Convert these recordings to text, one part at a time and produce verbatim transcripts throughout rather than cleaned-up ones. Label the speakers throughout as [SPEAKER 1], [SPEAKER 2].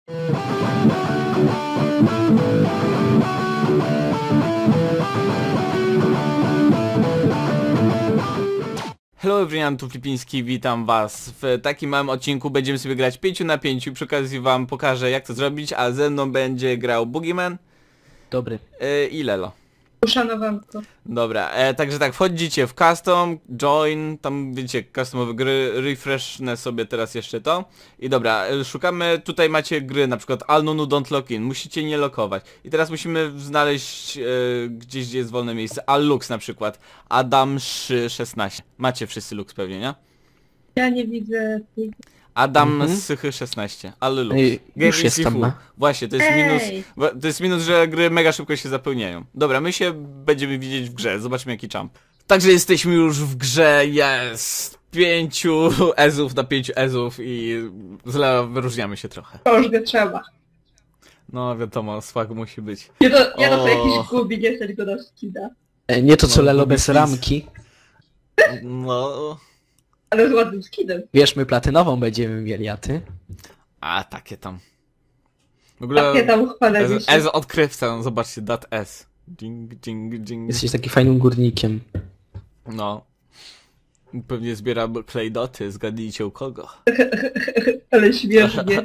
[SPEAKER 1] Hello everyone, tu Flipiński, witam was. W takim małym odcinku będziemy sobie grać pięć na pięć. Przy okazji wam pokażę, jak to zrobić, a ze mną będzie grał Boogeyman.
[SPEAKER 2] Dobry.
[SPEAKER 1] Yy, I Lelo.
[SPEAKER 3] Uszanowanko.
[SPEAKER 1] Dobra, e, także tak, wchodzicie w custom, join, tam wiecie, customowe gry, refreshnę sobie teraz jeszcze to. I dobra, e, szukamy, tutaj macie gry, na przykład Alnunu Don't Lock In, musicie nie lokować. I teraz musimy znaleźć e, gdzieś, gdzie jest wolne miejsce, Allux na przykład, Adam szesnaście. Macie wszyscy Lux pewnie, nie?
[SPEAKER 3] Ja nie widzę tych...
[SPEAKER 1] Adam
[SPEAKER 2] Mhm.
[SPEAKER 1] Sychy szesnaście, Allux.
[SPEAKER 2] Ej, już jestem, no.
[SPEAKER 1] Właśnie, to jest
[SPEAKER 3] Ej.
[SPEAKER 1] minus, to jest minus, że gry mega szybko się zapełniają. Dobra, my się będziemy widzieć w grze, zobaczmy jaki jump. Także jesteśmy już w grze, jest pięciu ezów na pięciu ezów i źle wyróżniamy się trochę.
[SPEAKER 3] Kozgę trzeba.
[SPEAKER 1] No wiadomo, swag musi być.
[SPEAKER 3] Nie to, nie to, to
[SPEAKER 1] O.
[SPEAKER 3] jakiś gubi, nie chcę tylko do skida.
[SPEAKER 2] E, Nie to co
[SPEAKER 1] No,
[SPEAKER 2] Lelo
[SPEAKER 1] lubię
[SPEAKER 2] bez
[SPEAKER 1] quiz.
[SPEAKER 2] ramki.
[SPEAKER 1] No,
[SPEAKER 3] Ale z ładnym skidem.
[SPEAKER 2] Wiesz, my platynową będziemy mieli, a ty?
[SPEAKER 1] a takie tam. W ogóle
[SPEAKER 3] Takie tam chwalę
[SPEAKER 1] Ez,
[SPEAKER 3] się.
[SPEAKER 1] Ez odkrywca, zobaczcie, dat S. Ding, ding, ding.
[SPEAKER 2] Jesteś taki fajnym górnikiem.
[SPEAKER 1] No. Pewnie zbiera klejdoty, zgadnijcie u kogo.
[SPEAKER 3] Ale śmiesznie.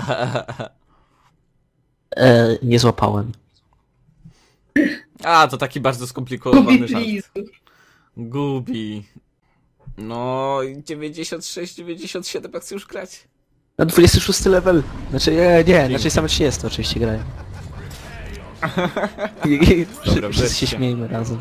[SPEAKER 2] E, nie złapałem.
[SPEAKER 1] A, to taki bardzo skomplikowany
[SPEAKER 3] Gubi,
[SPEAKER 1] żart.
[SPEAKER 3] please.
[SPEAKER 1] Gubi. No, dziewięćdziesiąt sześć, dziewięćdziesiąt siedem, jak chcesz już grać?
[SPEAKER 2] Na dwudziesty szósty level. Znaczy, nie, nie, znaczy same trzydzieści oczywiście grają. I- i-
[SPEAKER 1] Dobra,
[SPEAKER 2] Wszyscy
[SPEAKER 1] wreszcie.
[SPEAKER 2] się śmiejmy razem.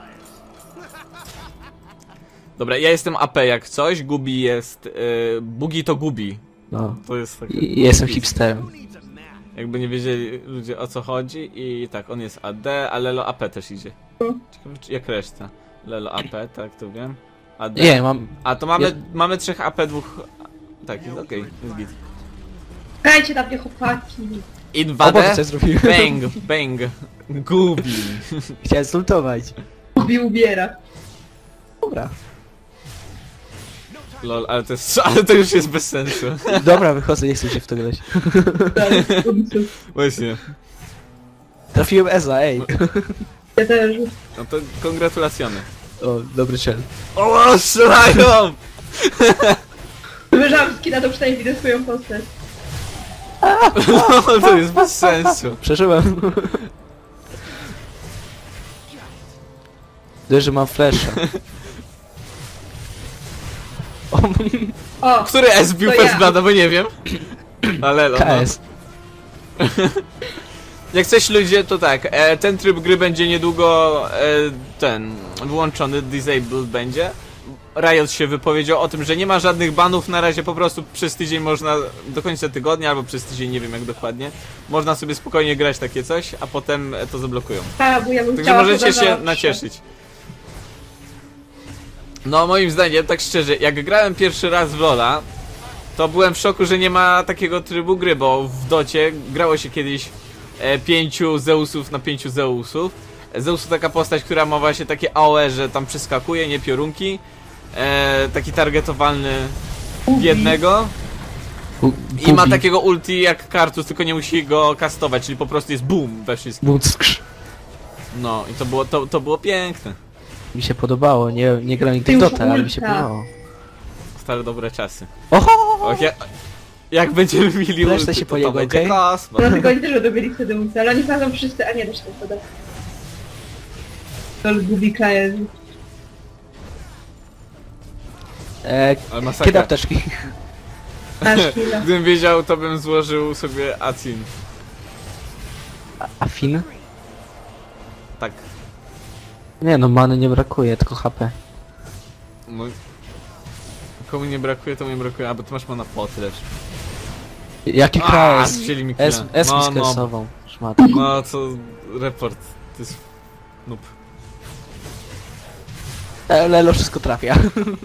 [SPEAKER 1] Dobra, ja jestem A P jak coś, Gubi jest... Yy, Bugi to Gubi.
[SPEAKER 2] No.
[SPEAKER 1] To jest takie...
[SPEAKER 2] I, jestem hipsterem.
[SPEAKER 1] Jakby nie wiedzieli ludzie o co chodzi i tak, on jest A D, a Lelo A P też idzie. Ciekawe czy- jak reszta. Lelo A P, tak, to wiem. A D.
[SPEAKER 2] Nie, mam...
[SPEAKER 1] A to mamy,
[SPEAKER 2] Ja-
[SPEAKER 1] mamy trzech A P, dwóch... Tak, jest okej, jest git.
[SPEAKER 3] Grajcie na mnie chłopaki.
[SPEAKER 2] O Boże,
[SPEAKER 1] Inwadę,
[SPEAKER 2] co zrobiłem?
[SPEAKER 1] bang, bang, Gubi.
[SPEAKER 2] Chciałem zultować.
[SPEAKER 3] Gubi ubiera.
[SPEAKER 2] Dobra.
[SPEAKER 1] Lol, ale to jest, ale to już jest bez sensu.
[SPEAKER 2] Dobra, wychodzę, nie chcę się w to grać.
[SPEAKER 3] Tak, w końcu.
[SPEAKER 1] Właśnie.
[SPEAKER 2] Trafiłem Eza, ej.
[SPEAKER 3] Ja też.
[SPEAKER 1] No to kongratulacjony.
[SPEAKER 2] O, dobry cel.
[SPEAKER 1] O, strzelają!
[SPEAKER 3] Wyżałam skida, to przynajmniej widzę swoją postać.
[SPEAKER 1] To jest bez sensu.
[SPEAKER 2] Przeżyłem. Dość, że mam flasha. O,
[SPEAKER 3] O!
[SPEAKER 1] Który S bił
[SPEAKER 3] To
[SPEAKER 1] First
[SPEAKER 3] ja.
[SPEAKER 1] Blooda, bo nie wiem. Ale no.
[SPEAKER 2] K S.
[SPEAKER 1] Jak coś ludzie, to tak, e, ten tryb gry będzie niedługo e, ten wyłączony, disabled będzie. Riot się wypowiedział o tym, że nie ma żadnych banów na razie, po prostu przez tydzień można, do końca tygodnia albo przez tydzień, nie wiem jak dokładnie, można sobie spokojnie grać takie coś, a potem e, to zablokują.
[SPEAKER 3] A, bo ja bym
[SPEAKER 1] Także
[SPEAKER 3] chciała
[SPEAKER 1] możecie
[SPEAKER 3] to
[SPEAKER 1] się
[SPEAKER 3] zawsze.
[SPEAKER 1] nacieszyć. No moim zdaniem, tak szczerze, jak grałem pierwszy raz w LoL'a, to byłem w szoku, że nie ma takiego trybu gry, bo w docie grało się kiedyś e, pięciu Zeusów na pięciu Zeusów. Zeus to taka postać, która ma właśnie takie A O E, że tam przeskakuje, nie piorunki. E, taki targetowalny w jednego. I ma takiego ulti jak Kartus, tylko nie musi go kastować, czyli po prostu jest boom we wszystkim.
[SPEAKER 2] Buckrz.
[SPEAKER 1] No i to było, to, to było piękne.
[SPEAKER 2] Mi się podobało, nie, nie grałem nigdy w
[SPEAKER 3] Już
[SPEAKER 2] Dota, ale mi się
[SPEAKER 3] ulta.
[SPEAKER 2] podobało.
[SPEAKER 1] Stare dobre czasy.
[SPEAKER 2] Oho!
[SPEAKER 1] Och, ja, jak będziemy mieli
[SPEAKER 2] Reszta
[SPEAKER 1] ulty,
[SPEAKER 2] się
[SPEAKER 1] to,
[SPEAKER 2] po jego,
[SPEAKER 1] to będzie
[SPEAKER 2] okej?
[SPEAKER 1] kosmos.
[SPEAKER 3] No tylko oni też będą mieli wtedy ulta, ale oni chodzą wszyscy, a nie da się tego podać. To gubi klient.
[SPEAKER 2] E,
[SPEAKER 1] Ale
[SPEAKER 2] kiedy
[SPEAKER 1] masakra.
[SPEAKER 2] apteczki?
[SPEAKER 3] Masz chwilę.
[SPEAKER 1] Gdybym wiedział, to bym złożył sobie Acin.
[SPEAKER 2] A, a Fin?
[SPEAKER 1] Tak.
[SPEAKER 2] Nie no, many nie brakuje, tylko H P.
[SPEAKER 1] No. Komu nie brakuje, to mi brakuje. A bo ty masz mana pot lecz.
[SPEAKER 2] Jaki
[SPEAKER 1] A,
[SPEAKER 2] K S?
[SPEAKER 1] chcieli mi
[SPEAKER 2] S,
[SPEAKER 1] killa.
[SPEAKER 2] S mi
[SPEAKER 1] No, no.
[SPEAKER 2] skresował. Szmat.
[SPEAKER 1] No co, report. To jest... Noob.
[SPEAKER 2] E, Lelo wszystko trafia.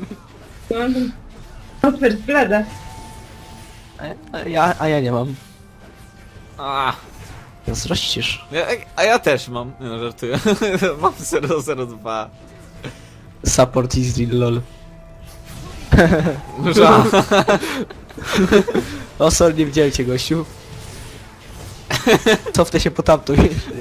[SPEAKER 3] No, first blada.
[SPEAKER 2] A ja, a ja nie mam.
[SPEAKER 1] A,
[SPEAKER 2] Zrościsz.
[SPEAKER 1] ja, a ja też mam. Nie no, żartuję. Mam zero zero dwa.
[SPEAKER 2] Support easy, lol.
[SPEAKER 1] Ża.
[SPEAKER 2] O, sorry, nie widziałem cię, gościu. Cofnę się po tamto.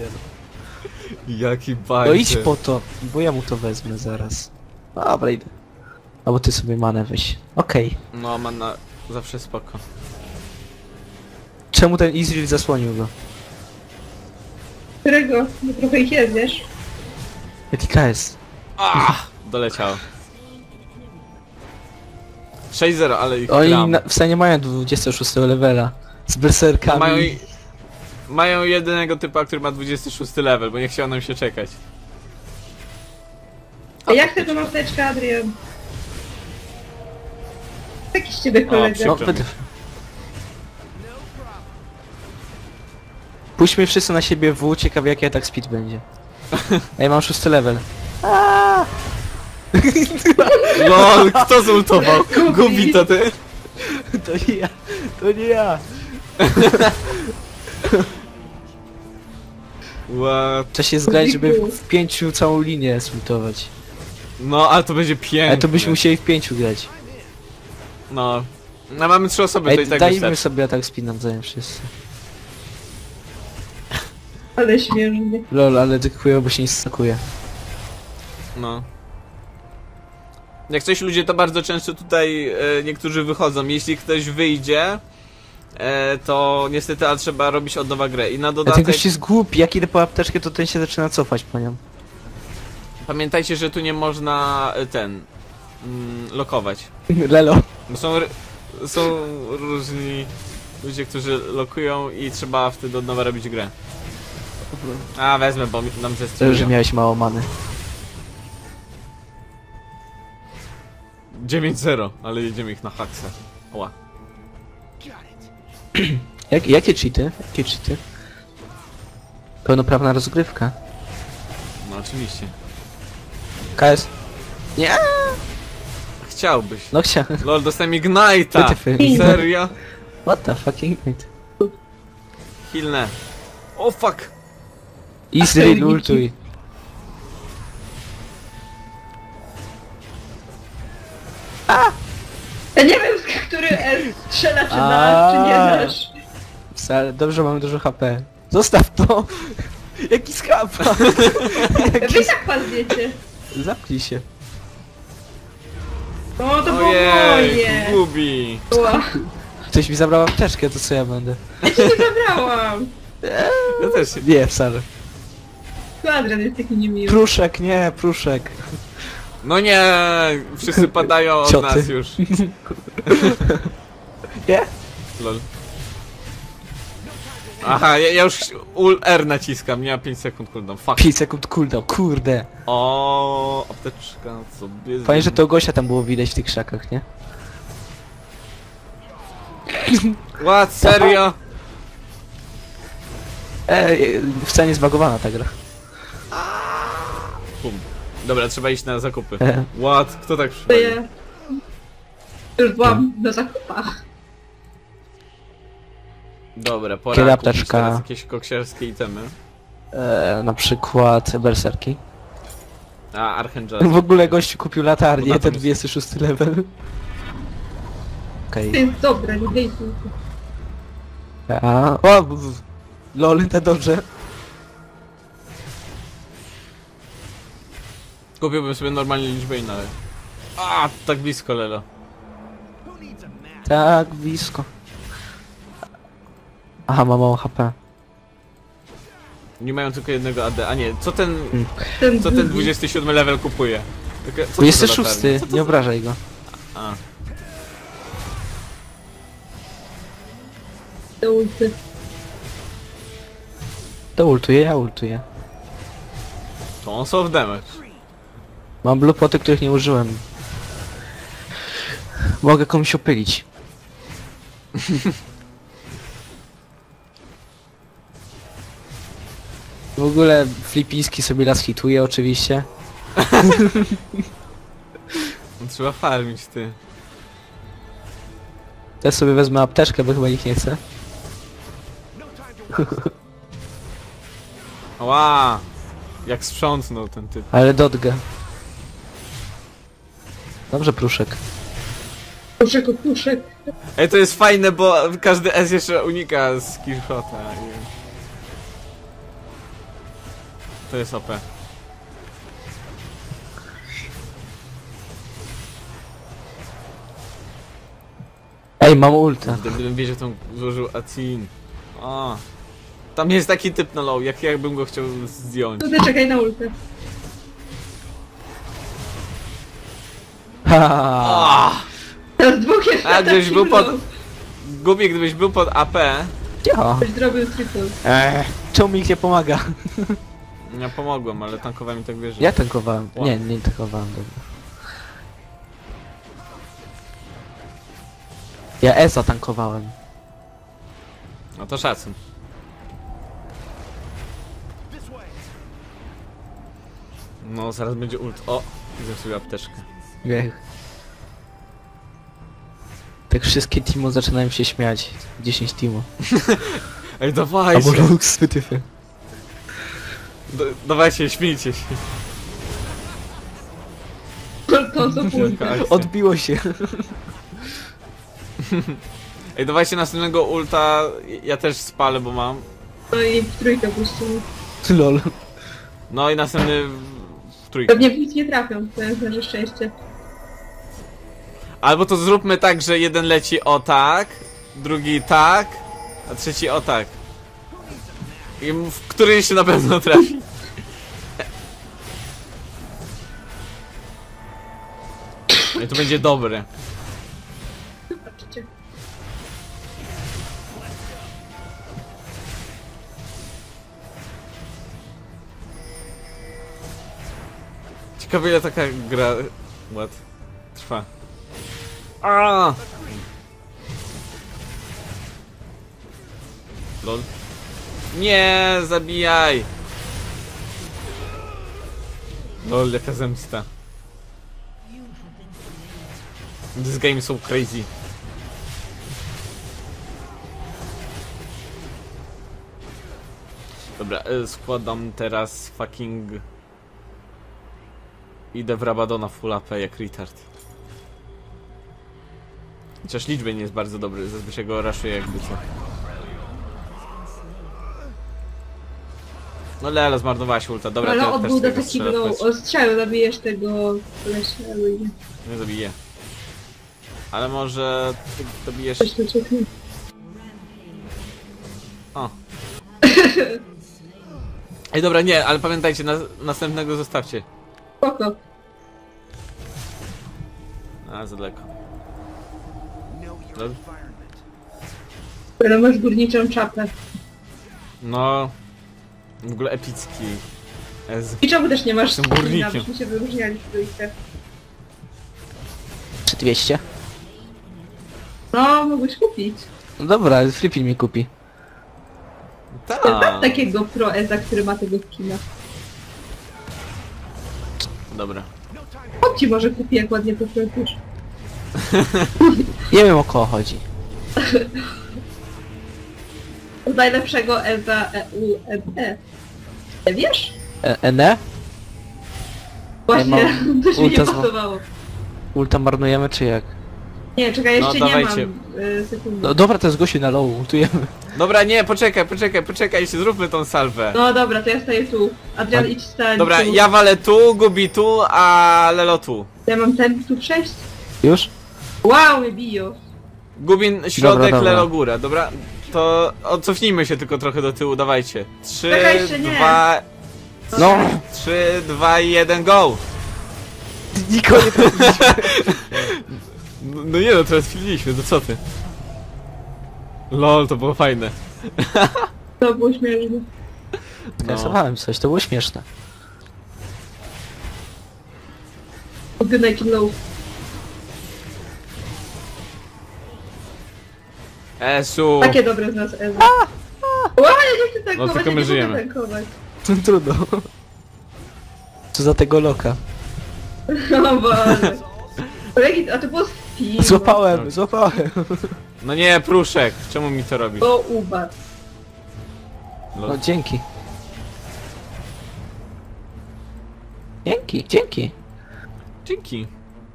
[SPEAKER 1] Jaki
[SPEAKER 2] No
[SPEAKER 1] bajzer.
[SPEAKER 2] idź po to, bo ja mu to wezmę zaraz. Dobra, idę. Albo ty sobie manę weź. Okej.
[SPEAKER 1] No, man na... zawsze spoko.
[SPEAKER 2] Czemu ten Izrael zasłonił go?
[SPEAKER 3] Którego? No trochę ich jest, wiesz?
[SPEAKER 2] Jaki K S?
[SPEAKER 1] Ah, doleciało. sześć zero, ale ich
[SPEAKER 2] Oni
[SPEAKER 1] gram.
[SPEAKER 2] na, w stanie mają dwudziestego szóstego levela. Z berserkami.
[SPEAKER 1] Mają, i- mają jedynego typa, który ma dwudziesty szósty level, bo nie chciał nam się czekać.
[SPEAKER 3] A jak chcę tą apteczkę, Adrian? Taki z ciebie
[SPEAKER 1] O,
[SPEAKER 3] kolega.
[SPEAKER 2] No,
[SPEAKER 1] przykro mi.
[SPEAKER 2] będę... Puśćmy wszyscy na siebie W, ciekawe jaki atak speed będzie. Ej, mam szósty level.
[SPEAKER 1] LOL, kto zultował? Gubi to ty?
[SPEAKER 2] To nie ja, to nie ja.
[SPEAKER 1] What?
[SPEAKER 2] Trzeba się zgrać, żeby w, w pięciu całą linię sultować.
[SPEAKER 1] No, ale to będzie piękne.
[SPEAKER 2] Ale to byśmy musieli w pięciu grać.
[SPEAKER 1] No. No, mamy trzy osoby, to
[SPEAKER 2] Ej,
[SPEAKER 1] i tak
[SPEAKER 2] dajmy
[SPEAKER 1] wystarczy.
[SPEAKER 2] sobie atak speed nawzajem wszyscy.
[SPEAKER 3] Ale śmiesznie.
[SPEAKER 2] Lol, ale dykuję, bo się nie stakuje.
[SPEAKER 1] No. Jak coś ludzie, to bardzo często tutaj e, niektórzy wychodzą. Jeśli ktoś wyjdzie, e, to niestety, a trzeba robić od nowa grę. I na
[SPEAKER 2] A ten
[SPEAKER 1] dodatek,
[SPEAKER 2] gość jest głupi, jak idę po apteczkę, to ten się zaczyna cofać po nią.
[SPEAKER 1] pamiętajcie, że tu nie można e, ten, mm, lokować.
[SPEAKER 2] Lelo.
[SPEAKER 1] Bo są, r- są różni ludzie, którzy lokują i trzeba wtedy od nowa robić grę. A, wezmę, bo mi- nam
[SPEAKER 2] To już, że
[SPEAKER 1] zestrują.
[SPEAKER 2] miałeś mało many.
[SPEAKER 1] dziewięć zero, ale jedziemy ich na haksę. Oła.
[SPEAKER 2] Jak, jakie cheaty? Jakie cheaty? Pełnoprawna rozgrywka.
[SPEAKER 1] No oczywiście.
[SPEAKER 2] K S. Nie!
[SPEAKER 1] Chciałbyś.
[SPEAKER 2] No chciałem.
[SPEAKER 1] Lol, dostałem Ignite'a!
[SPEAKER 2] Wytyfy.
[SPEAKER 1] Serio?
[SPEAKER 2] What the fucking it?
[SPEAKER 1] Hilne. O fuck!
[SPEAKER 2] Izrael ultuj.
[SPEAKER 3] Ja nie wiem, który S strzela, czy nasz, czy nie
[SPEAKER 2] A.
[SPEAKER 3] nasz.
[SPEAKER 2] Wcale, dobrze, mamy dużo H P. Zostaw to! Jaki skapa!
[SPEAKER 3] Wy i tak padniecie.
[SPEAKER 2] Zamknij się.
[SPEAKER 3] No to było
[SPEAKER 1] Ojej,
[SPEAKER 3] moje.
[SPEAKER 1] Gubi!
[SPEAKER 3] Ła.
[SPEAKER 2] Ktoś mi zabrał apteczkę, to co ja będę?
[SPEAKER 3] Ja cię nie zabrałam.
[SPEAKER 1] Ja też się...
[SPEAKER 2] Nie, wcale.
[SPEAKER 3] Tu Adrian jest taki niemiły.
[SPEAKER 2] Pruszek, nie, pruszek.
[SPEAKER 1] No nie! Wszyscy padają od
[SPEAKER 2] Cioty.
[SPEAKER 1] nas już.
[SPEAKER 2] Nie?
[SPEAKER 1] Lol. Aha, ja, ja już ul R naciskam, nie ma pięć sekund cooldown. Fuck.
[SPEAKER 2] pięć sekund cooldown, kurde.
[SPEAKER 1] O, apteczka sobie...
[SPEAKER 2] Fajnie, że to Gosia tam było widać w tych krzakach, nie?
[SPEAKER 1] What? Serio?
[SPEAKER 2] Ej, wcale nie zbagowana ta gra.
[SPEAKER 1] Bum. Dobra, trzeba iść na zakupy.
[SPEAKER 2] E.
[SPEAKER 1] What? Kto tak
[SPEAKER 3] To
[SPEAKER 1] przypadł?
[SPEAKER 3] ja... Już byłam na zakupach.
[SPEAKER 1] Dobra, pora
[SPEAKER 2] Kiedy
[SPEAKER 1] kupić
[SPEAKER 2] apteczka?
[SPEAKER 1] teraz jakieś koksiarskie itemy.
[SPEAKER 2] E, na przykład berserki.
[SPEAKER 1] A, Archangel.
[SPEAKER 2] W ogóle gościu kupił
[SPEAKER 1] Bo
[SPEAKER 2] latarnię,
[SPEAKER 1] na to
[SPEAKER 2] ten
[SPEAKER 1] jest-
[SPEAKER 2] dwudziesty szósty level. Okej.
[SPEAKER 3] To jest dobre, nie dej tu.
[SPEAKER 2] A, o, w- w- lol, to dobrze.
[SPEAKER 1] Kupiłbym sobie normalnie liczbę inne, ale... A, tak blisko, Lelo.
[SPEAKER 2] Tak, blisko. Aha, ma mało H P.
[SPEAKER 1] Nie mają tylko jednego A D. A nie, co ten...
[SPEAKER 3] Ten
[SPEAKER 1] Co ten
[SPEAKER 3] drugi.
[SPEAKER 1] dwudziesty siódmy level kupuje? Taka- co to
[SPEAKER 2] dwudziesty
[SPEAKER 1] za
[SPEAKER 2] szósty,
[SPEAKER 1] latarnia?
[SPEAKER 2] nie obrażaj go.
[SPEAKER 1] A,
[SPEAKER 3] Te ulty.
[SPEAKER 2] To ultuję, ja ultuję.
[SPEAKER 1] to on soft damage.
[SPEAKER 2] Mam blue poty, których nie użyłem. Mogę komuś opylić. W ogóle flipiński sobie las hituje oczywiście.
[SPEAKER 1] No, trzeba farmić, ty.
[SPEAKER 2] Też sobie wezmę apteczkę, bo chyba ich nie chcę.
[SPEAKER 1] Ła! Jak sprzątnął ten typ.
[SPEAKER 2] Ale dotgę. Dobrze, pruszek.
[SPEAKER 3] Puszek, puszek.
[SPEAKER 1] Ej, to jest fajne, bo każdy S jeszcze unika skillshota. i- To jest O P.
[SPEAKER 2] Ej, mam ulta.
[SPEAKER 1] Gdybym wiedział, to złożył Acin. O. Tam jest taki typ na low, jak jakbym go chciał zdjąć.
[SPEAKER 3] Tutaj czekaj na ultę.
[SPEAKER 2] Haha.
[SPEAKER 1] O!
[SPEAKER 3] Teraz dwóch jest
[SPEAKER 1] A gdybyś był pod...
[SPEAKER 3] low.
[SPEAKER 1] Gubi, gdybyś był pod A P,
[SPEAKER 2] Cicho.
[SPEAKER 3] Ktoś zrobił triple.
[SPEAKER 2] Eee, czemu mi nie pomaga?
[SPEAKER 1] ja pomogłem, ale tankowałem i tak wierzę.
[SPEAKER 2] Ja tankowałem.
[SPEAKER 1] Wow.
[SPEAKER 2] Nie, nie tankowałem, dobra. Ja E zatankowałem.
[SPEAKER 1] No to szacun. No, zaraz będzie ult. O! Widzę sobie apteczkę.
[SPEAKER 2] Wiech. Tak wszystkie teamo zaczynają się śmiać. dziesięć teamo.
[SPEAKER 1] Ej, dawajcie!
[SPEAKER 2] Albo Lux, wytyfy.
[SPEAKER 3] No.
[SPEAKER 1] D dawajcie, śmiejcie się.
[SPEAKER 3] To co ultę.
[SPEAKER 1] Taka akcja.
[SPEAKER 2] Odbiło się.
[SPEAKER 1] Ej, dawajcie następnego ulta. Ja też spalę, bo mam.
[SPEAKER 3] No i w trójkę puścimy.
[SPEAKER 2] Lol.
[SPEAKER 1] No i następny w w trójkę.
[SPEAKER 3] Pewnie w nic nie trafią, to jest nasze szczęście.
[SPEAKER 1] Albo to zróbmy tak, że jeden leci o tak, drugi tak, a trzeci o tak. I w któryś się na pewno trafi. I to będzie dobre.
[SPEAKER 3] Zobaczcie.
[SPEAKER 1] Ciekawe ile taka gra... What? Trwa. A! Lol. Nie, zabijaj! Lol, jaka zemsta. This game is so crazy. Dobra, y, składam teraz fucking... Idę w Rabadona full A P jak retard. Chociaż liczby nie jest bardzo dobry, zazwyczaj go raszuję jakby co. No Lelo, zmarnowałaś ulta, dobra,
[SPEAKER 3] Ale
[SPEAKER 1] ty też
[SPEAKER 3] odbył do
[SPEAKER 1] tego
[SPEAKER 3] takiego
[SPEAKER 1] strzelasz,
[SPEAKER 3] ostrzału, zabijesz tego kolesia, albo nie.
[SPEAKER 1] nie zabiję. Ale może ty dobijesz...
[SPEAKER 3] Coś tu czekaj.
[SPEAKER 1] O. Ej, dobra, nie, ale pamiętajcie, na, następnego zostawcie.
[SPEAKER 3] Spoko.
[SPEAKER 1] A, za daleko. Lol.
[SPEAKER 3] Ale masz górniczą czapę.
[SPEAKER 1] No... W ogóle epicki. Ez.
[SPEAKER 3] I czemu też nie masz
[SPEAKER 1] Jestem
[SPEAKER 3] skina,
[SPEAKER 1] górnikiem.
[SPEAKER 3] byśmy się wyróżniali w trójkę.
[SPEAKER 2] Czy dwieście?
[SPEAKER 3] No, mogłeś kupić.
[SPEAKER 2] No dobra, Flippy mi kupi.
[SPEAKER 3] Mam
[SPEAKER 1] Tak.
[SPEAKER 3] takiego pro Eza, który ma tego skina.
[SPEAKER 1] Dobra.
[SPEAKER 3] On ci może kupi, jak ładnie poprosisz.
[SPEAKER 2] Nie wiem o kogo chodzi.
[SPEAKER 3] Od najlepszego Eza E U M E. Nie wiesz?
[SPEAKER 2] E Ene?
[SPEAKER 3] Właśnie,
[SPEAKER 2] mam
[SPEAKER 3] to się nie
[SPEAKER 2] ulta z-
[SPEAKER 3] pasowało.
[SPEAKER 2] Ulta marnujemy czy jak?
[SPEAKER 3] Nie, czekaj, jeszcze
[SPEAKER 1] No,
[SPEAKER 3] nie
[SPEAKER 1] dawajcie.
[SPEAKER 3] mam y, sekundy.
[SPEAKER 2] No dobra, to jest gościu na low, ultujemy.
[SPEAKER 1] Dobra, nie, poczekaj, poczekaj, poczekaj, jeszcze zróbmy tą salwę.
[SPEAKER 3] No dobra, to ja staję tu. Adrian, idź stań
[SPEAKER 1] Dobra,
[SPEAKER 3] tu.
[SPEAKER 1] ja walę tu, Gubi tu, a Lelo tu.
[SPEAKER 3] Ja mam ten tu przejść?
[SPEAKER 2] Już?
[SPEAKER 3] Wow, mnie biją.
[SPEAKER 1] Gubin środek,
[SPEAKER 2] dobra.
[SPEAKER 1] Lelo góra, dobra? To odcofnijmy się tylko trochę do tyłu, dawajcie. Trzy,
[SPEAKER 3] Czekaj, jeszcze nie.
[SPEAKER 1] dwa,
[SPEAKER 2] No!
[SPEAKER 1] trzy, dwa, jeden, go!
[SPEAKER 2] Nikogo nie trafiliśmy.
[SPEAKER 1] No, no nie no, teraz chwililiśmy, to co ty? Lol, to było fajne.
[SPEAKER 3] To było śmieszne.
[SPEAKER 2] Skasowałem coś, to było śmieszne.
[SPEAKER 3] Good night low.
[SPEAKER 1] Esu!
[SPEAKER 3] Takie dobre z nas Eza. Ła, ja nie chcę tankować,
[SPEAKER 1] No, tylko my
[SPEAKER 3] ja nie
[SPEAKER 1] żyjemy.
[SPEAKER 3] mogę tankować.
[SPEAKER 2] Trudno. Co za tego loka?
[SPEAKER 3] O Boże. Kolegi, a to było Steam.
[SPEAKER 2] Złapałem, złapałem.
[SPEAKER 1] No nie, Pruszek, czemu mi to robisz?
[SPEAKER 3] O, ubat.
[SPEAKER 1] Lol.
[SPEAKER 2] No dzięki. Dzięki, dzięki.
[SPEAKER 1] Dzięki.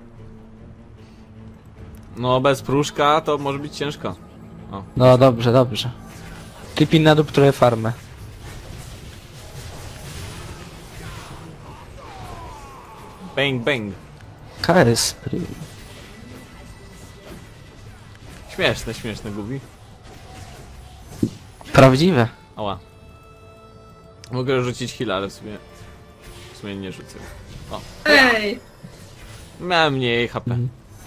[SPEAKER 1] No bez Pruszka to może być ciężko.
[SPEAKER 2] No dobrze, dobrze. Flippy na dół trochę farmę.
[SPEAKER 1] Bang, bang.
[SPEAKER 2] K S.
[SPEAKER 1] Śmieszne, śmieszne, Gubi.
[SPEAKER 2] Prawdziwe.
[SPEAKER 1] Ała. Mogę rzucić heal, ale w sumie... W sumie nie rzucę. O.
[SPEAKER 3] Ej!
[SPEAKER 1] Miałem mniej H P.
[SPEAKER 2] Mhm.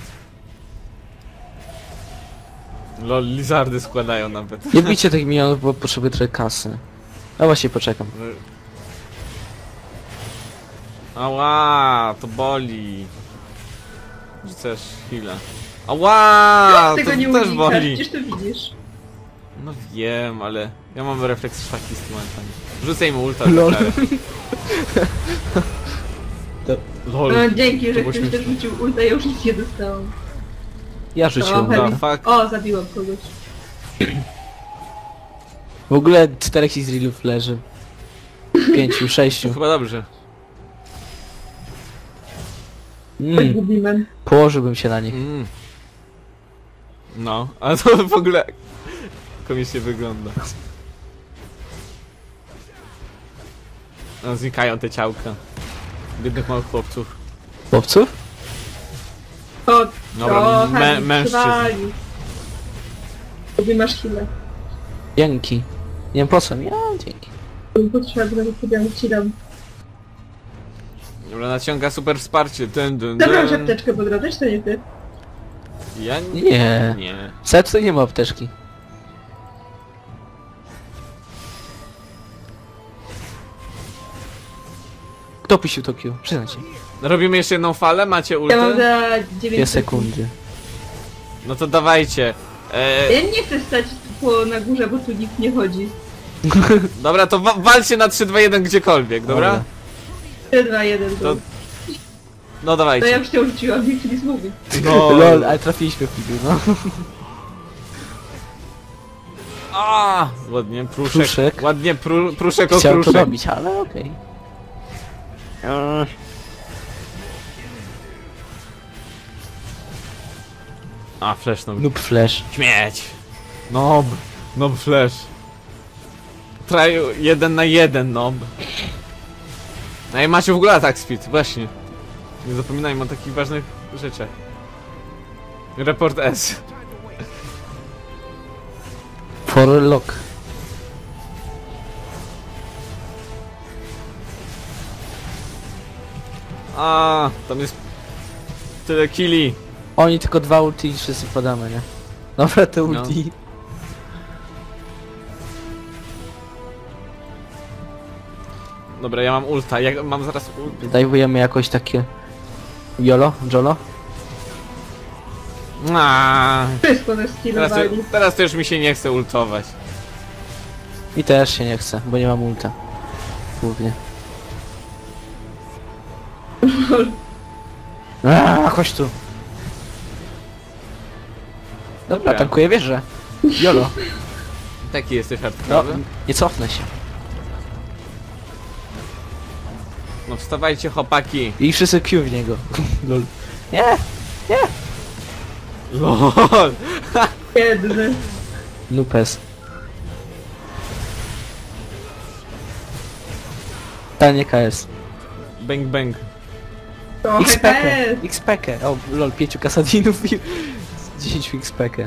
[SPEAKER 1] Lol, lizardy składają nawet.
[SPEAKER 2] Nie bijcie tych minionów, bo potrzebuję trochę kasy. A właśnie poczekam.
[SPEAKER 1] Ała, to boli. Rzucasz heal'a. Ała,
[SPEAKER 3] Tego
[SPEAKER 1] to
[SPEAKER 3] nie
[SPEAKER 1] też
[SPEAKER 3] unikasz,
[SPEAKER 1] boli.
[SPEAKER 3] przecież to widzisz.
[SPEAKER 1] No wiem, ale ja mam refleks szwaki z tym momentami. Rzucaj mu ulta.
[SPEAKER 2] Lol.
[SPEAKER 1] za karę. Lol.
[SPEAKER 3] No dzięki, że
[SPEAKER 1] było
[SPEAKER 3] ktoś też
[SPEAKER 1] śmieszne.
[SPEAKER 3] rzucił ulta, ja już nic nie dostałam.
[SPEAKER 2] Ja rzuciłem.
[SPEAKER 3] Trochę
[SPEAKER 2] No.
[SPEAKER 3] mi-
[SPEAKER 1] fuck.
[SPEAKER 3] O, zabiłam kogoś.
[SPEAKER 2] W ogóle czterech Izraelów leży. Pięciu,
[SPEAKER 1] To
[SPEAKER 2] sześciu.
[SPEAKER 1] chyba dobrze.
[SPEAKER 3] Tak
[SPEAKER 2] Mm,
[SPEAKER 3] gubimy.
[SPEAKER 2] położyłbym się na nich.
[SPEAKER 1] Mm. No, ale to w ogóle komicznie wygląda. No, znikają te ciałka. Biednych małych chłopców.
[SPEAKER 2] Chłopców?
[SPEAKER 3] O,
[SPEAKER 1] Dobra,
[SPEAKER 3] trochę
[SPEAKER 1] mę-
[SPEAKER 3] mi
[SPEAKER 1] mężczyzn.
[SPEAKER 3] przywali. Lubię masz chwilę.
[SPEAKER 2] Dzięki. Nie wiem po co mi, a dzięki.
[SPEAKER 3] Potrzebne, to sobie ci dam.
[SPEAKER 1] Dobra, naciąga super wsparcie. Dun, dun,
[SPEAKER 3] Zabrałeś
[SPEAKER 1] dun.
[SPEAKER 3] apteczkę, bo drodze, czy to nie ty?
[SPEAKER 1] Ja nie.
[SPEAKER 2] Nie.
[SPEAKER 1] Nie.
[SPEAKER 2] Set to nie ma apteczki. Kto puścił to Q? Przyznaj się.
[SPEAKER 1] Robimy jeszcze jedną falę? Macie
[SPEAKER 3] Ja mam
[SPEAKER 1] ulty?
[SPEAKER 3] za
[SPEAKER 2] Dwie
[SPEAKER 3] dziewięć
[SPEAKER 2] sekundy.
[SPEAKER 1] No to dawajcie. E,
[SPEAKER 3] Ja nie chcę stać po, na górze, bo tu nikt nie chodzi.
[SPEAKER 1] dobra, to wa walcie na trzy, dwa, jeden gdziekolwiek, dobra?
[SPEAKER 3] trzy, dwa, jeden,
[SPEAKER 1] To-
[SPEAKER 3] to...
[SPEAKER 1] No
[SPEAKER 3] To
[SPEAKER 1] dawajcie.
[SPEAKER 3] ja już cię rzuciłam, nikt nic mówi.
[SPEAKER 1] No.
[SPEAKER 2] Lol, ale trafiliśmy w piłkę, no.
[SPEAKER 1] A, ładnie, pruszek.
[SPEAKER 2] Pruszek.
[SPEAKER 1] Ładnie, pru, pruszek o
[SPEAKER 2] Chciałem to
[SPEAKER 1] pruszek.
[SPEAKER 2] robić, ale okej.
[SPEAKER 1] A, flash no.
[SPEAKER 2] Noob flash.
[SPEAKER 1] Śmieć. Nob. Nob flash. Traju jeden na jeden, nob. No i macie w ogóle attack speed, właśnie. Nie zapominajmy o takich ważnych rzeczach. Report S.
[SPEAKER 2] For lock.
[SPEAKER 1] A, tam jest tyle killi.
[SPEAKER 2] Oni tylko dwa ulti i wszyscy podamy, nie? Dobra, te ulti.
[SPEAKER 1] Dobra, ja mam ulta, jak mam zaraz ulta.
[SPEAKER 2] Dajwujemy jakoś takie... Jolo? Jolo?
[SPEAKER 1] Aaaa,
[SPEAKER 3] Wszystko nas
[SPEAKER 1] teraz, to,
[SPEAKER 3] skillowali.
[SPEAKER 1] teraz to już mi się nie chce ultować.
[SPEAKER 2] I też się nie chcę, bo nie mam ulta. Głównie. Aaaa, chodź tu. Dobra,
[SPEAKER 1] Dobra.
[SPEAKER 2] tankuję wieżę. Jolo.
[SPEAKER 1] Taki jesteś
[SPEAKER 2] No,
[SPEAKER 1] hardkorowy.
[SPEAKER 2] nie cofnę się.
[SPEAKER 1] No wstawajcie chłopaki.
[SPEAKER 2] I wszyscy Q w niego. Lol. Nie!
[SPEAKER 1] LOL.
[SPEAKER 3] Biedny.
[SPEAKER 2] Nupes. Tanie K S.
[SPEAKER 1] Bang bang.
[SPEAKER 3] Trochę
[SPEAKER 2] X P K.
[SPEAKER 3] P.
[SPEAKER 2] X P K. O, lol, pięciu kasadinów i dziesięć X P K.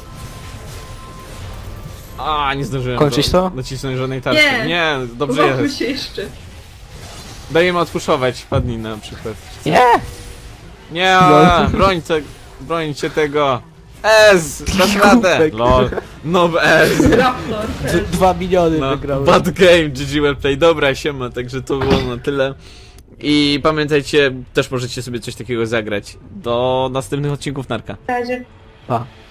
[SPEAKER 1] A, nie zdążyłem
[SPEAKER 2] Kończyć
[SPEAKER 1] do,
[SPEAKER 2] to?
[SPEAKER 1] nacisnąć żadnej tarczy.
[SPEAKER 3] Nie.
[SPEAKER 1] Nie, dobrze
[SPEAKER 3] Uwagmy
[SPEAKER 1] jest.
[SPEAKER 3] się jeszcze.
[SPEAKER 1] Dajemy odpuszować, padnij na przykład.
[SPEAKER 2] Nie!
[SPEAKER 1] Nie,
[SPEAKER 2] Lol.
[SPEAKER 1] brońcie, brońcie tego. S, dasz radę.
[SPEAKER 2] Głupek.
[SPEAKER 1] LOL. No S.
[SPEAKER 3] Raptor
[SPEAKER 2] D
[SPEAKER 3] też.
[SPEAKER 2] dwa miliony
[SPEAKER 1] No,
[SPEAKER 2] wygrały.
[SPEAKER 1] bad game, G G well play. Dobra, siema, także to było na tyle. I pamiętajcie, też możecie sobie coś takiego zagrać. Do następnych odcinków Narka.
[SPEAKER 3] W razie.
[SPEAKER 2] Pa.